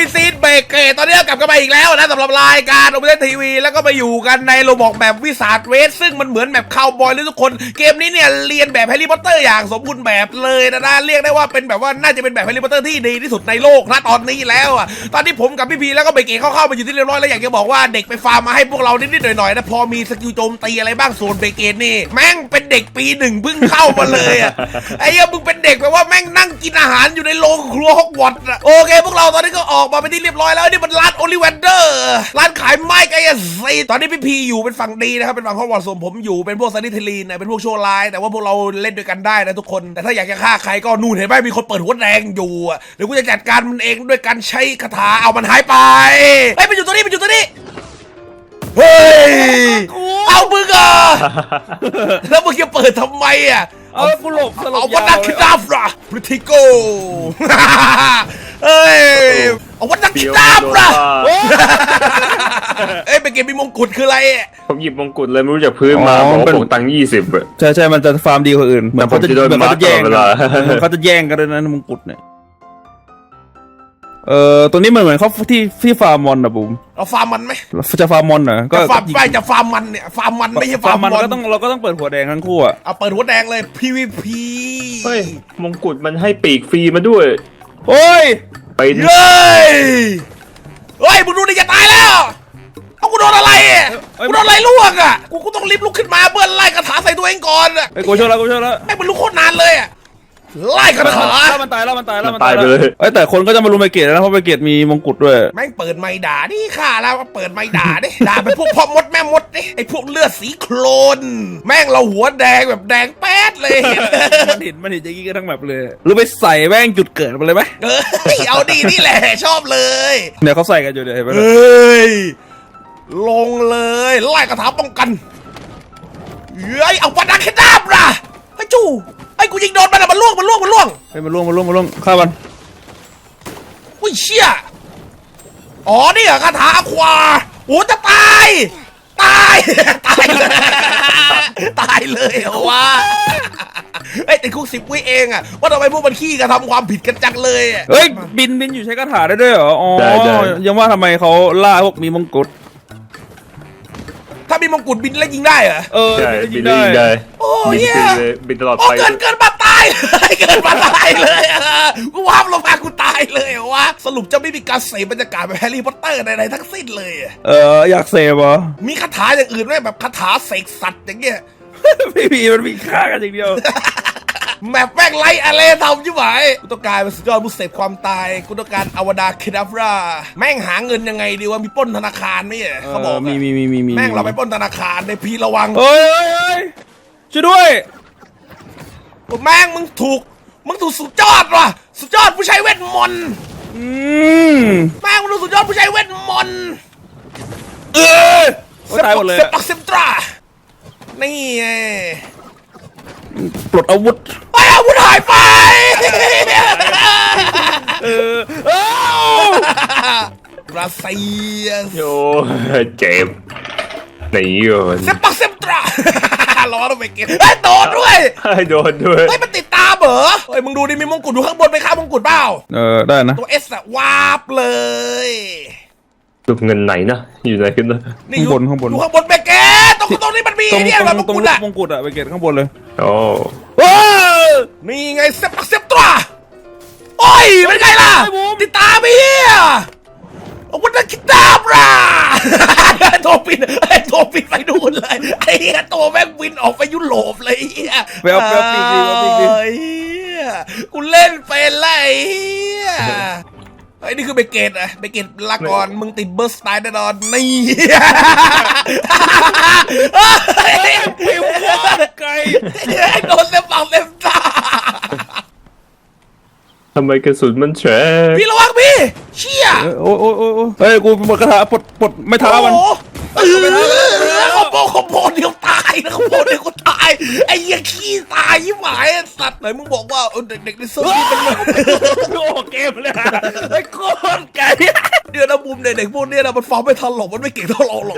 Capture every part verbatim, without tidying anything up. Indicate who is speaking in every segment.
Speaker 1: พี่ซีดเบรกเกตตอนนี้กลับกันมาอีกแล้วนะสำหรับรายการโอเปนทีวีแล้วก็มาอยู่กันในโรบอกแบบวิสาเวสซึ่งมันเหมือนแบบคาวบอยเลยทุกคนเกมนี้เนี่ยเรียนแบบแฮร์รี่พอตเตอร์อย่างสมบูรณ์แบบเลยนะนะเรียกได้ว่าเป็นแบบว่าน่าจะเป็นแบบแฮร์รี่พอตเตอร์ที่ดีที่สุดในโลกนะตอนนี้แล้วอ่ะตอนที่ผมกับพี่พีแล้วก็เบรกเกตเข้าๆมาอยู่ที่เรียบร้อยแล้วอยากจะบอกว่าเด็กไปฟาร์มมาให้พวกเรานิดๆหน่อยๆนะพอมีสกิลโจมตีอะไรบ้างส่วนเบรกเกตนี่แม่งเป็นเด็กปีหนึ่งเพิ่งเข้ามาเลยอ่ะไอ้เหี้ยมึงเป็นเด็กแบบว่าแม่งนั่งกินอาหารอยู่ในโรงครัวฮอกวอตส์อ่ะโอเคพวกเราตอนนี้ก็ออกมาเป็นที่เรียบร้อยแล้วนี่มันร้านโอลิเวนเดอร์ร้านขายไม้ไกอาซีตอนนี้พี่พีอยู่เป็นฝั่งดีนะครับเป็นฝั่งฮอกวอตส์ส่วนผมอยู่เป็นพวกซันนิเทลีนเป็นพวกโชว์ไลน์แต่ว่าพวกเราเล่นด้วยกันได้นะทุกคนแต่ถ้าอยากจะฆ่าใครก็นู่นเห็นไหมมีคนเปิดหัวแดงอยู่เดี๋ยวกูจะจัดการมันเองด้วยการใช้คาถาเอามันหายไปเฮ้ยมันอยู่ตัวนี้มันอยู่ตัวนี้เฮ้ยเอามึงอ่ะแล้วมึงจะเปิดทำไมอ่ะ
Speaker 2: เอากูหลบ
Speaker 1: เอาวัดนักคิดาฟราพริติโกเอ้ยเอาวัดนักคิดาฟราเอ้ยเป็นเกมมีมงกุฎคืออะไร
Speaker 3: ผมหยิบมงกุฎเลยไม่รู้จากพื้นมาผมผมตังค์ยี่สิบอะ
Speaker 2: ใช่ใช่มันจะฟาร์มดีกว่าอื่นเหมือนเขาจะเหมือนเขาจะแย่งกันเขาจะแย่งกันด้วยนะมงกุฎเนี่ยเอ่อตัวนี้มันเหมือนเขาที่ที่ฟาร์มมอนนะบุ๋ม
Speaker 1: เราฟาร์มมันไหม
Speaker 2: จะฟาร์มมอนเหรอก็
Speaker 1: ฟาร์มไปจะฟาร์มมันเนี่ยฟาร์มมันไม่ใช่ฟาร์มมอน
Speaker 2: ก็ต้องเราก็ต้องเปิดหัวแดงทั้งคู่อะ
Speaker 1: เอาเปิดหัวแดงเลย พี วี พี
Speaker 3: เฮ้ยมงกุฎมันให้ปีกฟรีมาด้วย
Speaker 2: โอ้ย
Speaker 1: ไปเลยเฮ้ยมึงดูดิจะตายแล้วเอากูโดนอะไรกูโดนอะไรลวกอ่ะกูกูต้องรีบลุกขึ้นมาเพื่อไล่คาถาใส่ตัวเองก่อนอ่ะ
Speaker 2: ไอ้กูช่วยแล้วกูช่วยแล้ว
Speaker 1: ไอ้มันลุกโคตรนานเลยอ่ะไล่คาถา
Speaker 2: แล้วมันตายแล้วมันตายแล้วมันตายไปเลยไอ้แต่คนก็จะมารุมไปเกตนะเพราะไปเกตมีมงกุฎด้วย
Speaker 1: แม่งเปิดไม้ด่าดิค่ะแล้วเปิดไม้ด่าดิด่าเป็นพวกพ่อมดแม่มดดิไอ้พวกเลือดสีโคลนแม่งเราหัวแดงแบบแดงแป๊ดเลย
Speaker 2: มันเห็นมันเห็นอย่างนี้กันทั้งแบบเลยหรือไปใส่แม่งจุดเกิดมาเลยไหม
Speaker 1: เออเอาดีนี่แหละชอบเลย
Speaker 2: เนี่ยเขาใส่กันอยู่เดี๋ยวเห็นไหม
Speaker 1: เฮ้ยลงเลยไล่คาถาป้องกันเฮ้ยเอาวัดนักคิดาฟราไอ้จู่ไอ้กูยิงโดนมันอะมันล่วงมันล่วงมันล่วง
Speaker 2: ไอ้มันล่วงมันล่วงมันล่วงฆ่ามัน
Speaker 1: อุ้ยเชี่ยอ๋อนี่เหรอคาถาอควาโอ้จะตายตายตายเลยตายเลยเหรอวะไอ้ติดคุกสิบวิเองอะว่าทำไมพวกมันขี้กระทำความผิดกันจังเลย
Speaker 2: เฮ้ยบินบินอยู่ใช้คาถาได้ด้วยเหรออ๋อยังว่าทำไมเขาล่าพวกมีมงกุฎ
Speaker 1: ถ้ามีมงกุฎบินแล้วยิงได้เหรอ
Speaker 2: เออ
Speaker 3: บินได้
Speaker 1: โอ้ย
Speaker 3: บินตลอดไป
Speaker 1: เกินเกินมาตายเลยเกินมาตายเลยกูวาบลงมากูตายเลยวะสรุปจะไม่มีการเสพบรรยากาศแบบแฮร์รี่พอตเตอร์ใดๆทั้งสิ้นเลย
Speaker 2: เอออยากเสพเหรอ
Speaker 1: มีคาถาอย่างอื่นไหมแบบคาถาเสกสัตว์อย่างเงี้ย
Speaker 2: ไม่มีมันมีฆ่ากันอย่างเดียว
Speaker 1: แมปแม่งไล่อะไรทำยิ่งไหวกูต้องการเป็นสุดยอดผู้เสพความตายกูต้องการอวดาคิดาฟราแม่งหาเงินยังไงดีวะมีปล้นธนาคารไหมเขาบอก
Speaker 2: มีมีมีมีมี
Speaker 1: แม่งเราไปปล้นธนาคารในพีระวัง
Speaker 2: เฮ้ยเฮ้ยช่วยด้วย
Speaker 1: แม่งมึงถูกมึงถูกสุดยอดว่ะสุดยอดผู้ใช้เวทมนต์
Speaker 2: อืม
Speaker 1: แม่งมึงถูกสุดยอดผู้ใช้เวทมนต์
Speaker 2: เออตายหมดเลย
Speaker 1: เซปักเซมตรานี่ไง
Speaker 2: ปลดอาวุธ
Speaker 1: ไปอาวุธหายไป
Speaker 2: เออ
Speaker 1: รัสเซีย
Speaker 3: โย่เจ็บหนีก่อน
Speaker 1: เซปักเซมตราล้อต้องไปเก็บไอ้โดนด้วย
Speaker 3: ไอ้โดนด้วย
Speaker 1: ไอ้มันติดตามเหรอเฮ้ยมึงดูดิมีมงกุฎอยู่ข้างบนไปข้ามมงกุฎเปล่า
Speaker 2: เออได้นะ
Speaker 1: ตัวเอสอะวาบเลย
Speaker 3: ลูกเงินไหนนะอยู่ไหนกันนะ
Speaker 1: ข้าง
Speaker 2: บนข้างบน
Speaker 1: อยู่ข้างบนไปเกตตรงตรงนี้มันมีเนี่ยแบบมงกุฎอะ
Speaker 2: มงกุฎอะไปเกตข้างบนเลย
Speaker 3: โอ้
Speaker 1: นี่ไงเซปักเซมตราโอ้ยเป็นไงล่ะติดตามไปเฮียอาวุธนักคิดาฟราโทบินไอ้โทบินไปดูเลยไอ้เหี้ยตัวแม่งบินออกไปยุโรปเลยเหี้ย
Speaker 2: แววแววปีกดีแววปีกดี
Speaker 1: กูเล่นเป็นไรไอ้นี่คือเบเกตอะเบเกตละก่อนมึงติดเบอร์สไตล์แน่นอนนี่
Speaker 2: ผิวไก่
Speaker 1: โดนเล็บปากเล็บตา
Speaker 3: ทำไมกระสุนมันแฉะ
Speaker 1: พี่ระวังพี่เชี่ย
Speaker 2: โอ้โอ้โอ้เฮ้ยกูหมดกระถาปลดปลดไม่ท้ามัน
Speaker 1: เออขโมยขโมยเดียวตายนะขโมยเดียวก็ตายไอ้ยังขี้ตายยิ่งหมายสัตว์ไหนมึงบอกว่าเด็กๆในเซิร์ฟนี่เป็น
Speaker 2: โอ้เกมเลยไอ้โคตรไก่
Speaker 1: เดี๋ยวนะมุมเด็กๆพวกนี้นะมันฟ้องไม่ทันหรอกมันไม่เก่งเท่าเราหรอก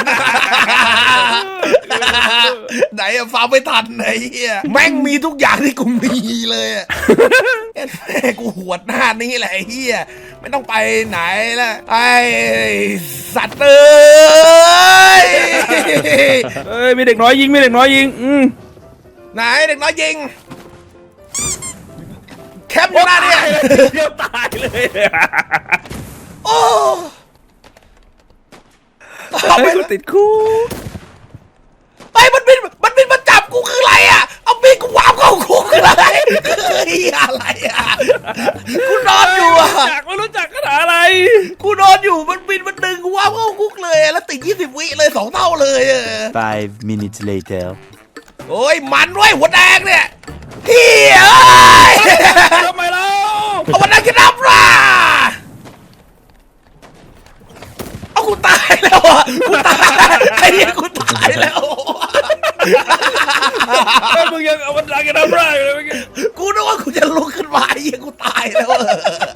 Speaker 1: ไหนอะฟ้าไม่ทันไหนเฮียแม่งมีทุกอย่างที่กูมีเลยอะแม่กูหวดหน้านี้แหละไอ้เฮียไม่ต้องไปไหนแล้วไอ้สัตว์เอ้ย
Speaker 2: เอ้ยมีเด็กน้อยยิงมีเด็กน้อยยิงอืม
Speaker 1: ไหนเด็กน้อยยิงแคปอยู่หน้าเนี่ย
Speaker 2: เดี๋ยวตายเลย
Speaker 1: โอ้เอา
Speaker 2: เอา
Speaker 1: ไป
Speaker 2: ไปติดคุก
Speaker 1: ไอ้มันบินมันบินมาจับกูคืออะไรอ่ะเอาบินกูวาบเข้าคุกคืออะไรเฮียอะไรอ่ะกูนอนอยู่อ่ะ
Speaker 2: จากไม่รู้จักขนาดอะไร
Speaker 1: กูนอนอยู่มันบินมันดึงกูวาบเข้าคุกเลยแล้วติดยี่สิบวิเลยสองเท่าเลยเออ
Speaker 4: Five minutes later.
Speaker 1: โอ้ยมันด้วยหัวแดงเนี่ยเฮียเอ้ย
Speaker 2: ทำไมเรา
Speaker 1: เอามันนั่งกินน้ำราเอากูตายแล้วอ่ะกูตายไอ้เหี้ยกูตายแล้ว
Speaker 2: ไอ้มึงยังเอามันดังกันน้ำร่างเลยเมื่อกี้
Speaker 1: กูนึกว่ากูจะลุกขึ้นมาไอ้เหี้ยกูตายแล้วอะ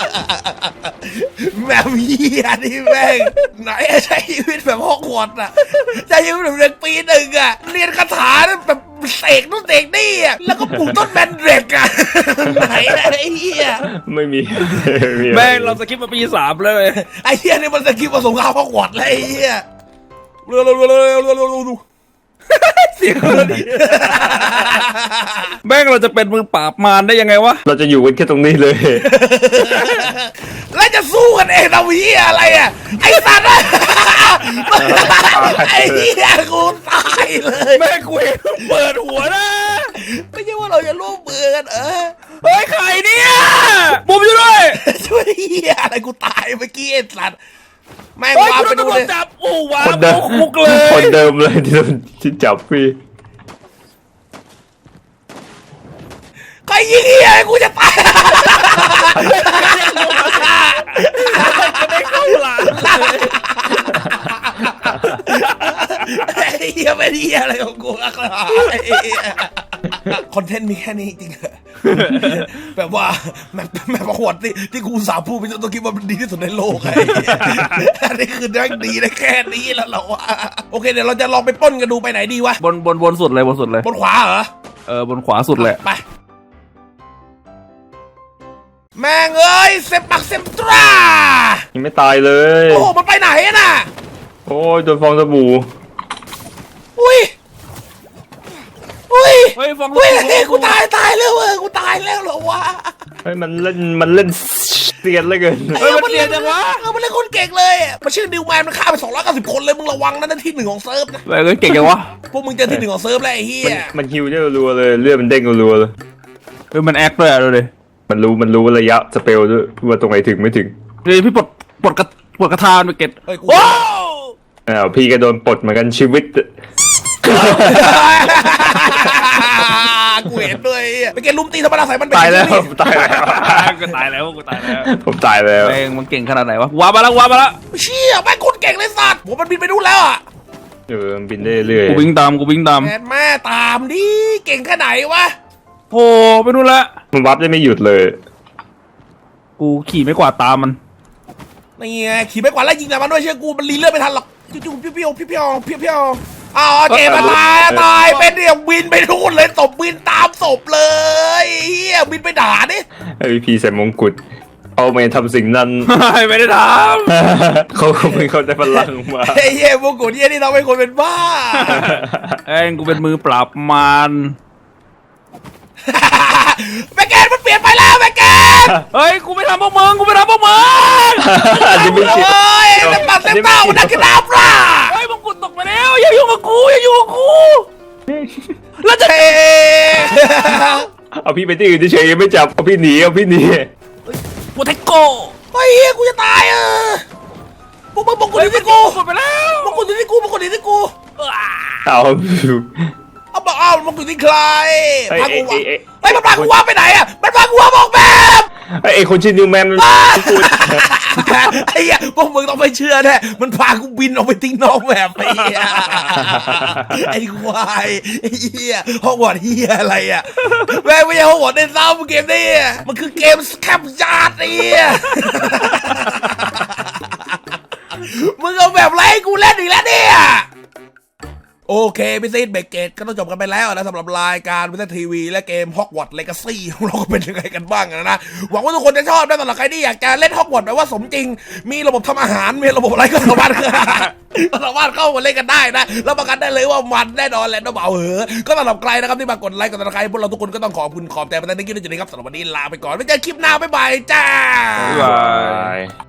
Speaker 1: แบบเหี้ยนี่แม่งไหนใช้ชีวิตแบบฮอกวอตส์อะใช้ชีวิตแบบเรียนปีหนึ่งอะเรียนคาถาแบบเสกนู่นเสกนี่อะแล้วก็ปลูกต้นแบนเด็กอะไหนอะไอ้เหี้ย
Speaker 3: ไม่มี
Speaker 2: แม่งเราสกิปมาปีสามเลย
Speaker 1: ไอ้เหี้ยนี่มันสกิปผสมข้าวฮอกวอตส์เลยไอ้เหี้ยเร็วเร็วเร็วเร็วเร็วเร็วเร็วเร็ว
Speaker 2: เสียงคนดีแม่งเราจะเป็นมือปราบมารได้ยังไงวะ
Speaker 3: เราจะอยู่กันแค่ตรงนี้เลย
Speaker 1: แล้วจะสู้กันเองทำเหี้ยอะไรอะไอ้สัตว์อะไอ้เหี้ยกูตายเลย
Speaker 2: แม่งกูเห็นเปิดหัวนะ
Speaker 1: ไม่ใช่ว่าเราจะร่วมมือกันเออ
Speaker 2: เฮ้ยใครเนี่ยบุมอยู่ด้วย
Speaker 1: ช่วยเหี้ยอะไรกูตายเมื่อกี้ไอ้สัตว์แม่ง
Speaker 2: เฮ้ยว
Speaker 1: า
Speaker 2: คุณ
Speaker 1: ไป
Speaker 2: โดน
Speaker 1: ดู
Speaker 2: ตำรว
Speaker 1: เล
Speaker 2: จ
Speaker 1: ย
Speaker 2: จับโอ้ว้า
Speaker 3: คนเดิม
Speaker 2: คุกเลย
Speaker 3: คนเดิมเลยที่โดนที่จับพี่
Speaker 1: ใครยิงเหี้ยกูจะตาย
Speaker 2: ไม่เข้าหลัง
Speaker 1: ไอ้เหี้ยเป็นเหี้ยอะไรของกูอะไอ้เหี้ยคอนเทนต์มีแค่นี้จริงเหรอแบบว่าแมปแมปประวัติที่ที่กูสาพูดไปจนต้องคิดว่ามันดีที่สุดในโลกไอ้เหี้ยอันนี้คือแม่งดีได้แค่นี้แล้วเหรอวะโอเคเดี๋ยวเราจะลองไปปล้นกันดูไปไหนดีวะ
Speaker 2: บนบนบนสุดเลยบนสุดเลย
Speaker 1: บนขวาเหรอ
Speaker 2: เออบนขวาสุดเลย
Speaker 1: ไปแม่งเอ้ยเซมปักเซมตรา
Speaker 3: ยังไม่ตายเลย
Speaker 1: โอ้โหมันไปไหนอะน่ะ
Speaker 3: โอ้ยโดนฟองสบู่
Speaker 1: อุ้ยอุ้ย
Speaker 2: เฮ้ยฟอง
Speaker 1: อุ้ยเฮ้ยกูตายตายแล้วเว้ยกูตายแล้วเหรอวะ
Speaker 3: เฮ้ยมันเล่นมันเล่นเสียนเหลยเกิน
Speaker 2: เฮ้ยมันเรียนจังวะ
Speaker 1: เออมันเล่นคนเก่งเลยอะมันชื่อดิวแมนมันฆ่าไปสองร้อยเก้าสิบคนเลยมึงระวังนะนั่นที่หนึ่งของเซิร์ฟนะ
Speaker 2: แม่งเก่งจังวะ
Speaker 1: พวกมึงเจอที่หนึ่งของเซิร์ฟแล้วไอ้เหี้
Speaker 3: มัน
Speaker 1: ย
Speaker 3: มันฮิวได้รัวๆเลยเลือดมันเด้งรัวๆเลย
Speaker 2: เฮ้ยมันแอคด้วยอะดูดิ
Speaker 3: มันรู้มันรู้ระยะสเปลด้วยว่าตรงไหนถึงไม่ถึง
Speaker 2: เฮ้ยพี่ปลดปลดกระปลดกระทานไปเก็ต
Speaker 1: เฮ้ยกู
Speaker 2: ว้าว
Speaker 3: อ้าวพี่ก็โดนปลดเหมือนกันชีวิต
Speaker 1: กูเห็นด้วยไอ้เหี้ยไปเกณฑ์ลุมตีธรรมดาใส่มันไป
Speaker 3: ตายแล้ว
Speaker 1: กิน
Speaker 3: ตายแล้ว
Speaker 2: กูตายแล้วกูตายแล้ว
Speaker 3: ผมตายแล้ว
Speaker 2: แม่งมันเก่งขนาดไหนวะว้ามาแล้วว้ามาแล้ว
Speaker 1: เชี่ยแม่งคนเก่งเลยสัตว์ผมมันบินไปนู่นแล้วอะ
Speaker 3: เออมันบินได้เรื่อย
Speaker 2: กูวิ่งตามกูวิ่งตาม
Speaker 1: แม่แม่ตามดิเก่งแค่ไหนวะ
Speaker 2: โอ้ไปนู่นละ
Speaker 3: มันวับได้ไม่หยุดเลย
Speaker 2: กูขี่ไม่กวาดตามมัน
Speaker 1: นี่ไงขี่ไปกว่าแล้วยิงแต่มันด้วยเชื่อกูมันรีเลือดไม่ทันหรอกจู่ๆเพี้ยวๆเพี้ยวๆเพี้ยวๆอ้าวเจมาตายอะตายเป็นเนี่ยบินไปนู่นเลยศพบินตามศพเลยเฮียบินไปด่าดิ
Speaker 3: ไอพีใส่มงกุฎเอาไม่ทำสิ่งนั้น
Speaker 2: ไม่ได้ท
Speaker 3: เขาคงไม่เข้าใจพลังมา
Speaker 1: เฮ้ยเฮ้ยพวกกูเนี่ยนี่เราเป็นคนเป็นบ้า
Speaker 2: ำเอ้ยกูเป็นมือปราบมาร
Speaker 1: แมกแกนมันเปลี่ยนไปแล้วแมกแกน
Speaker 2: เฮ้ยกูไม่ทำพวกมึงกูไม่ทำพวกมึง
Speaker 3: อันนี้ไม่
Speaker 1: โอ้
Speaker 3: เกี่ยวย
Speaker 1: เต็มปากเต็มเต้านักกระดาบล่ะ
Speaker 2: เฮ้ยมงกุฎตกไปแล้วอย่ายุ่งกับกูอย่ายุ่งกับกูแล้วจะ
Speaker 1: เฮ้ย
Speaker 3: เอาพี่ไปที่อื่นเฉยๆยังไม่จับเอาพี่หนีเอาพี่หนี
Speaker 2: โปเทโก
Speaker 1: เฮ้ยเฮียกูจะตายเออพวกมึงมงกุฎที่กู
Speaker 2: หมดไปแล้ว
Speaker 1: มงกุฎที่กูมงกุฎที่กู
Speaker 3: เอา
Speaker 1: เอาบอกเอามงกุฎที่ใคร
Speaker 3: ไอ้
Speaker 1: พากูวะ
Speaker 3: ไอ้ไอ้
Speaker 1: เฮ้ยมันพากูว่าไปไหนอ่ะมันพากูว่าบอกแบบ
Speaker 3: ไอ้ไอ้คนชื่อนิวแมนมัน
Speaker 1: ไอ้เหี้ยพวกมึงต้องไปเชื่อแน่มันพากูบินออกไปทิ้งนอกแบบไอ้เหี้ยไอ้ควายไอ้เหี้ยฮอกวอตส์เหี้ยอะไรอ่ะแม่งไม่ใช่ฮอกวอตส์ในซ้ำเกมนี้มันคือเกมสแคปยาร์ดไอ้เหี้ยมึงเอาแบบไรให้กูเล่นอีกแล้วเนี่ยโอเคพี่ซีดเบรกเกตก็ต้องจบกันไปแล้วนะสำหรับรายการวิทยทีวีและเกมฮอกวอตส์เลกาซี่ของเราก็เป็นยังไงกันบ้างนะหวังว่าทุกคนจะชอบนะสำหรับใครที่อยากจะเล่นฮอกวอตส์แบบว่าสมจริงมีระบบทำอาหารมีระบบอะไรก็สามารถ สามารถเข้ามาเล่นกันได้นะแล้วประกันได้เลยว่ามันแน่นอนแหละน้องเบาเหอะก็สำหรับใครนะครับที่มากดไลค์กดติดตามพวกเราทุกคนก็ต้องขอบคุณขอบใจมาตั้งแต่ที่นี่จนนี้ครับสำหรับวันนี้ลาไปก่อนไว้เจอคลิปหน้าบ๊ายบายจ้า
Speaker 2: บ๊ายบาย